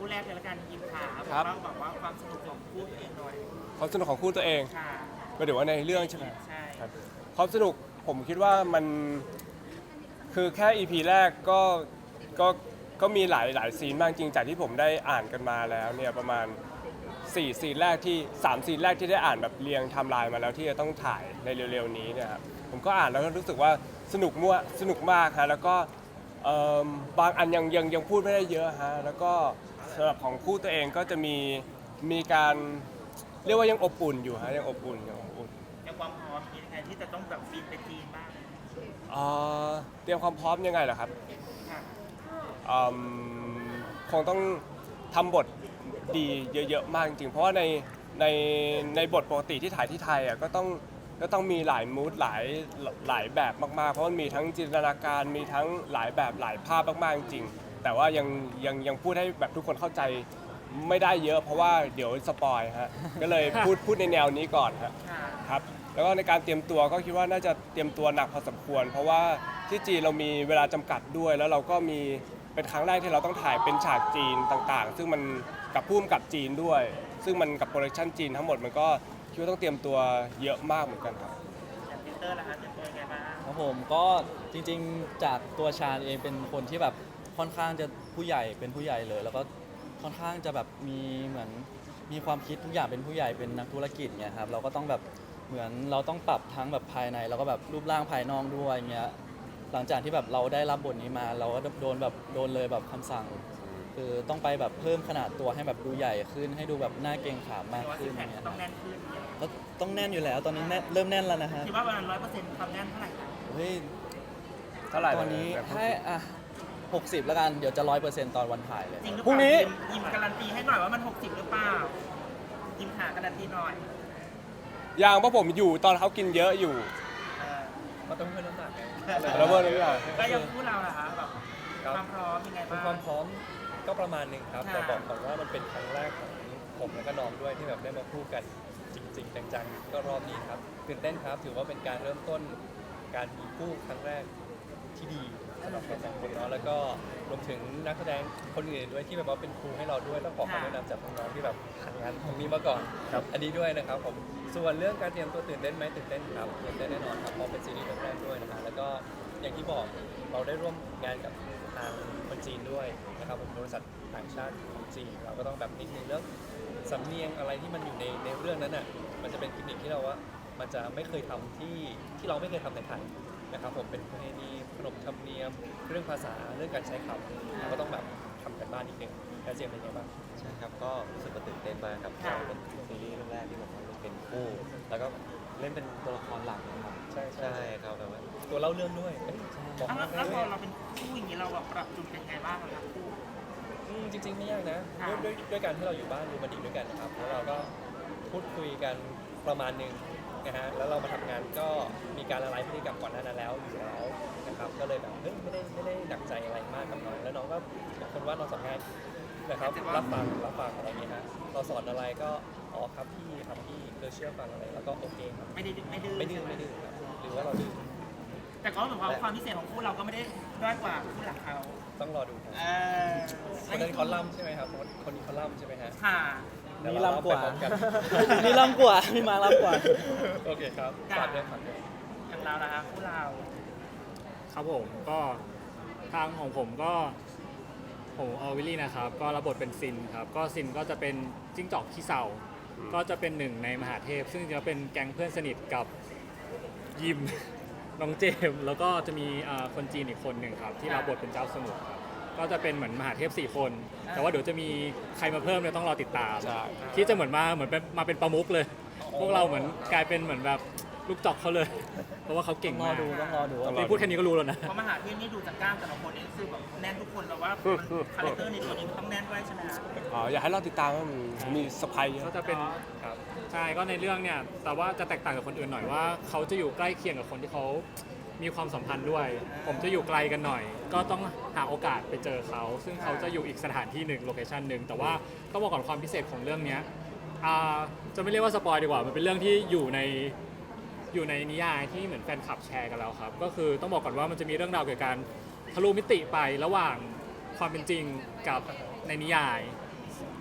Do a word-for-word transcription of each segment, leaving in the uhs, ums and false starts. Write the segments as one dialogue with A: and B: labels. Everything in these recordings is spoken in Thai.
A: คู่แรกเลยละกันยิมขา
B: ครับ
A: อกบอกว่าความสนุกของคู่ตัวเองหน่อย
B: ความสนุกของคู่ตัวเอง
A: ค่ะ
B: ก็เดี๋ยวว่าในเรื่องใช่ไหม
A: ใช่
B: ครับความสนุกผมคิดว่ามันคือแค่ อี พี แรกก็ก็ก็มีหลายหลายซีนมากจริงจากที่ผมได้อ่านกันมาแล้วเนี่ยประมาณสี่ซีนแรกที่สามซีนแรกที่ได้อ่านแบบเรียงไทม์ไลน์มาแล้วที่จะต้องถ่ายในเร็วๆนี้เนี่ยครับผมก็อ่านแล้วก็รู้สึกว่าสนุกมั่วสนุกมากฮะแล้วก็เอิ่มบางอันยังยังยังพูดไม่ได้เยอะฮะแล้วก็สำหรับของคู่ตัวเองก็จะมีมีการเรียกว่ายังอบอุ่นอยู่ฮะยังอบอุ่นยังอบอุ่น
A: ในความพร้อมมีใครที่จะต้องแบบบินไปจีนบ้าง
B: เอ่อเตรียมความพร้อมยังไงเหรอครับ
A: ค่ะ
B: อืมคงต้องทำบทดีเยอะๆมากจริงๆเพราะว่าในในในบทปกติที่ถ่ายที่ไทยอ่ะก็ต้องก็ต้องมีหลายมูดหลายหลายแบบมากๆเพราะมันมีทั้งจินตนาการมีทั้งหลายแบบหลายภาพมากๆจริงๆแต่ว่ายังยังยังพูดให้แบบทุกคนเข้าใจไม่ได้เยอะ เพราะว่าเดี๋ยวสปอยฮะก็เลยพูดพูดในแนวนี้ก่อนฮะ
A: ค่ะ
B: ครับแล้วก็ในการเตรียมตัวก็คิดว่าน่าจะเตรียมตัวหนักพอสมควร เพราะว่าที่จีนเรามีเวลาจำกัดด้วย แล้วเราก็มีเป็นครั้งแรกที่เราต้องถ่ายเป็นฉากจีนต่างๆ ซึ่งมันกับพุ่มกับจีนด้วย ซึ่งมันกับโปรดักชันจีนทั้งหมดมันก็คิดว่าต้องเตรียมตัวเยอะมากเหมือนกันครับ
A: อย่างปีเตอร์ล่ะคะเตรียมตัวยังไงบ้าง
C: ครับผมก็จริงๆจากตัวชาญเองเป็นคนที่แบบค่อนข้างจะผู้ใหญ่เป็นผู้ใหญ่เลย แล้วก็ค่อนข้างจะแบบมีเหมือนมีความคิดทุกอย่างเป็นผู้ใหญ่เป็นนักธุรกิจเนี่ยครับเราก็ต้องแบบเหมือนเราต้องปรับทั้งแบบภายในแล้วก็แบบรูปร่างภายนอกด้วยเงี้ยหลังจากที่แบบเราได้รับบทนี้มาเราก็โดนแบบโดนเลยแบบคำสั่ง คือต้องไปแบบเพิ่มขนาดตัวให้แบบดูใหญ่ขึ้น ให้ดูแบบหน้าเกรงขามมาก
A: แต่ว่า
C: ขึ้
A: ซิ
C: น
A: กแพค
C: เนี่ย
A: ต้องแน่นขึ้น
C: ก็ต้องแน่นอยู่แล้วตอนนี้แน่นเริ่มแน่นแล้วนะฮะ
A: คิดว่าประมาณร้อยเปอร์เซ็นต์ความแน่นเท่าไหร่คะ
C: เฮ้ย
B: เท่าไหร่
C: ตอนนี้
B: แบบ
C: ให้อ่ะหกสิบแล้วกัน เดี๋ยวจะร้อยเปอร์เซ็นต์ตอนวันถ่ายเลย
A: จริงหรือเป
B: พรุ่ง
A: ล่า
B: นี้
A: ยิมยิมการันตีให้หน่อยว่ามันหกสิบหรือเปล่ายิมหาการันตีหน่อย
B: อย่างเพราะผมอยู่ตอนเขากินเยอะอยู่
A: เออ
D: มันต้องเพิ่มน้ำหนักไง
B: แล้วเมื่อนี้อ่ะ
A: แล้วยังพูดเราล่ะคะแบบ
D: ครับ
A: ความพร้อมยังไงบ้าง
D: ความพร้อมก็ประมาณหนึ่งครับ
A: ค่ะ
D: แต่บอกก่อนว่ามันเป็นครั้งแรกของผมและก็น้องด้วยที่แบบได้มาพูดกันจริง ๆ จังๆก็รอบนี้ครับตื่นเต้นครับถือว่าเป็นการเริ่มต้นการมีคู่ครั้งแรกที่ดีสำหรับเราสองคนเนาะแล้วก็รวมถึงนักแสดงคนอื่นด้วยที่แบบว่าเป็นครูให้เราด้วยต้องขอคำแนะนำจากน้องๆที่แบบผ่านงานตรงนี้มาก่อน
B: ครับ
D: อันนี้ด้วยนะครับผมส่วนเรื่องการเตรียมตัวตื่นเต้นไหมตื่นเต้นครับตื่นเต้นแน่นอนครับเพราะเป็นซีรีส์เรื่องแรกด้วยนะฮะแล้วก็อย่างที่บอกเราได้ร่วมงานกับทางคนจีนด้วยนะครับผมบริษัทต่างชาติของจีนเราก็ต้องแบบนิดนึงเรื่องสำเนียงอะไรที่มันอยู่ในในเรื่องนั้นน่ะมันจะเป็นกิมมิคที่เราว่ามันจะไม่เคยทำที่ที่เราไม่เคยทำในไทยนะครับผมเป็นประเพณีขนบธรรมเนียมเรื่องภาษาเรื่องการใช้คำเราก็ต้องแบบทำกันบ้านนิดนึงแล้วเจมส์เป็นไงบ้าง
E: ใช่ครับก็รู้สึกว่าตื่นเต้นมากครับ
A: ค่ะ
E: เป็นซีรีส์เรื่องแรกที่ผมเล่นเป็นคู่ แล้วก็เล่นเป็นตัวละครหลักนะครับ
D: ใช่ใช่
E: ใช่ครับแบบว่า
D: ตัวเล่าเรื่องด้วยเอ้ยบอก
A: อ้าว
D: มา
A: แล้ว
D: ได้
A: พ
D: เล
A: อย เราเป็นคู่อย่างนี้เราแบบปรับจูนกันยังไงบ้างล่ะคู่
D: อืมจริงๆไม่ยากนะ
A: ค่ะ
D: ด้วยด้วยด้วยการที่เราอยู่บ้านดูมันดีด้วยกันนะครับแล้วเราก็พูดคุยกันประมาณหนึงนะฮะแล้วเรามาทำงานก็มีการละลายพฤติกรรมก่อนหน้านั้นแล้วอยู่แล้วนะครับก็เลยแบบเฮ้ยไม่ได้ไม่ได้หนักใจอะไรมากกับน้องแล้วน้องก็บอกคนว่าเราสอนง่ายนะครับรับฟังรับฟังอะไรอย่างเงี้ยฮะเราสอนอะไรก็อ๋อครับพี่ครับพี่คือเชื่อฟังอะไรแล้วก็โอเคครับ
A: ไม่ได้ไม่ดื้อ
D: ไม่ดื้อไม่ดื้อครับหรือว่าเราดื้อ
A: แต่ก็เหมือนว่าความพิเศษของคู่เราก็ไม่ได้ด้อยกว่าคู่หลักเขา
D: ต้องรอดูครับ
A: เออ
D: คนนั้นเขาล่ำใช่ไหมครับคนคนนี้เขาล่ำใช่ไหมฮะ
A: ค่ะ
D: เดี๋ยว
C: มี
D: เร
C: ลำกว่า
D: ไปพร้อมกัน
C: มีลำกว่ามีมาลำกว่า
D: โอเคครับฝากด้วยฝากด้วย
A: อย่างเรานะคะคู่เรา
F: ครับผมก็ทางของผมก็ผมเออวิลลี่นะครับก็รับบทเป็นซินครับก็ซินก็จะเป็นจิ้งจอกขี้เศร้าก็จะเป็นหนึ่งในมหาเทพ ซึ่งจะเป็นแก๊งเพื่อนสนิทกับยิม น้องเจมส์แล้วก็จะมีอ่าคนจีนอีกคนหนึ่งครับที่รับบทเป็นเจ้าสมุทรครับก็จะเป็นเหมือนมหาเทพสี่คน แต่ว่าเดี๋ยวจะมีใครมาเพิ่มเนี่ยต้องรอติดตาม
B: ใช่
F: ที่จะเหมือนมาเหมือนเป็นมาเป็นประมุขเลย พวกเราเหมือนกลายเป็นเหมือนแบบลูกจอกเขาเลย เพราะว่าเขาเก่ง
C: ต้องรอ
F: มาก
C: ดูต้องรอดูว่า
F: นี่พูดแค่นี้ก็รู้แล้วนะ
A: เพราะมหาเทพนี่ดูจากกล้ามแต่ละคนนี่คือแบบแน่นทุกคนแบบว่าคาแรคเตอร์ในตัวนี้มันต้องแน่นด้วยใช่ไหมคะ
B: อ๋ออยากให้เราติดตามว่ามันมีสไปเย
F: ก็
B: อะ
F: จะเป็น
D: ครับ
F: ใช่ก็ในเรื่องเนี่ยแต่ว่าจะแตกต่างกับคนอื่นหน่อยว่าเขาจะอยู่ใกล้เคียงกับคนที่เขามีความสัมพันธ์ด้วย ผมจะอยู่ไกลกันหน่อย ก็ต้องหาโอกาสไปเจอเขา ซึ่งเขาจะอยู่อีกสถานที่หนึ่งโลเคชันหนึ่งแต่ว่าต้องบอกก่อนความพิเศษของเรื่องเนี้ยอ่าจะไม่เรียกว่าสปอยดีกว่ามันเป็นเรื่องที่อยู่ในอยู่ในนิยายที่เหมือนแฟนคลับแชร์กันแล้วครับก็คือต้องบอกก่อนว่ามันจะมีเรื่องราวเกี่ยวกับการทะลุมิติไประหว่างความเป็นจริงกับในนิยาย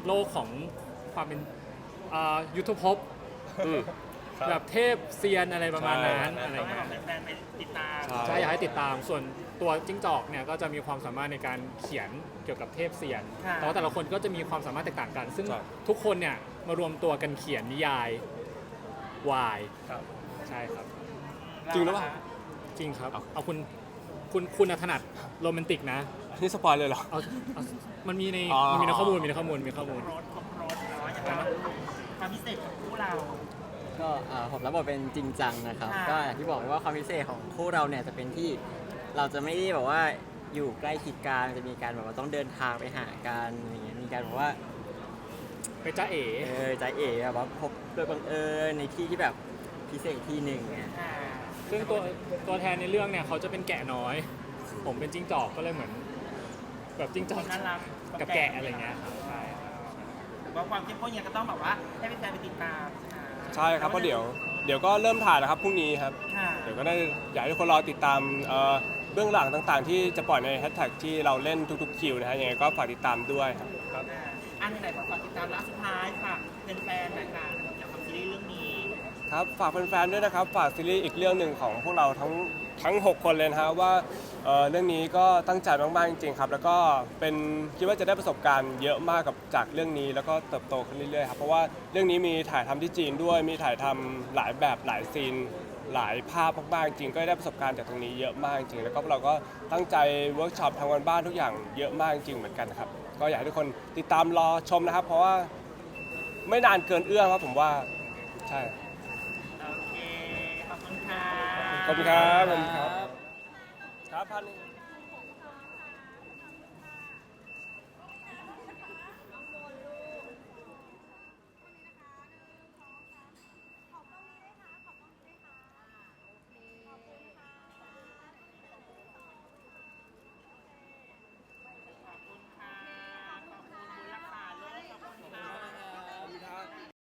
F: โลกของความเป็นอ่ายุทธภพ
B: อืม
F: แบบเทพเซียนอะไรประมาณนั้น
B: ใช่
F: อะไร
A: ต้องให้
F: เงี้ย
A: แฟนๆไปติดตาม
B: ใช่
F: ใช่อยากให้ติดตามส่วนตัวจิ้งจอกเนี่ยก็จะมีความสามารถในการเขียนเกี่ยวกับเทพเซียน
A: ค่ะ
F: แต่ว่าแต่ละคนก็จะมีความสามารถแตกต่างกัน ซึ่ง
B: ใช่
F: ทุกคนเนี่ยมารวมตัวกันเขียนนิยายวายใช่ครับ
B: จริงหรือเปล่า
F: จริงครับ
B: เอา
F: เอาคุณคุณคุณถนัดโรแมนติกนะ
B: นี่สปอยเลยเหรอ
F: เอาเอามันมีใน
B: อ๋อ
F: มันมีในข้อมูลมีในข้อมูลมีข้อมูล
A: รถครบรถเนาะอย่างไรความพิเศษของคู่เรา
G: ก็อ่าผมรับบทเป็นจริงจังนะครับ
A: ค่ะ
G: ก็อย่างที่บอกไว้ว่าความพิเศษของคู่เราเนี่ยจะเป็นที่เราจะไม่ได้แบบว่าอยู่ใกล้ชิดกันจะมีการแบบว่าต้องเดินทางไปหากันอย่างเงี้ยมีการแบบว่า
F: ไปจ้าเอ๋
G: เออใจเอ๋แบบว่าพบโดยบังเอิญในที่ที่แบบพิเศษที่หนึ่งไง
A: อ่า
F: ซึ่งตัวตัวแทนในเรื่องเนี่ยเขาจะเป็นแกะน้อย ผมเป็นจิ้งจอกก็เลยเหมือน แบบจิ้งจอก
A: น่ารัก
F: กับแกะอะไรเงี้ยครับใช่
A: หรือว่าความเข้มข้นเนี่ยก็ต้องแบบว่าให้แฟนๆไปติดตามอ่า
B: ใช่ครับเพราะเดี๋ยวเดี๋ยวก็เริ่มถ่ายแล้วครับพรุ่งนี้ครับ
A: ค่ะ
B: เดี๋ยวก็ได้อยากให้ทุกคนรอติดตามเอ่อเบื้องหลังต่างๆ ที่จะปล่อยในแฮชแท็กที่เราเล่นทุกๆคิวนะฮะยังไงก็ฝากติดตา มด้วยครับ
A: อ่าอันไหนๆฝากติดตามแล้วสุดท้ายฝากเป็นแฟนๆหน่อยค่ะเกี่ยวกับซีรีส์เรื่องนี้
B: ครับฝากแฟนๆด้วยนะครับฝากซีรีส์อีกเรื่องหนึ่งของพวกเราทั้งทั้ง หก คนเลยนะฮะว่าเอ่อเรื่องนี้ก็ตั้งใจมากๆจริงๆครับแล้วก็เป็นคิดว่าจะได้ประสบการณ์เยอะมากกับจากเรื่องนี้แล้วก็เติบโตขึ้นเรื่อยๆครับเพราะว่าเรื่องนี้มีถ่ายทำที่จีนด้วยมีถ่ายทำหลายแบบหลายซีนหลายภาพมากๆจริงก็ได้ประสบการณ์จากตรงนี้เยอะมากจริงแล้วก็พวกเราก็ตั้งใจเวิร์กช็อปทำกันบ้านทุกอย่างเยอะมากจริงเหมือนกันครับก็อยากให้ทุกคนติดตามรอชมนะครับ เพราะว่าไม่นานเกินเอื้อมครับผมว่าใช่
A: โอเค ขอบคุณค่ะ
B: ขอบคุณครับขอบคุณครับครับพันหนึ่ง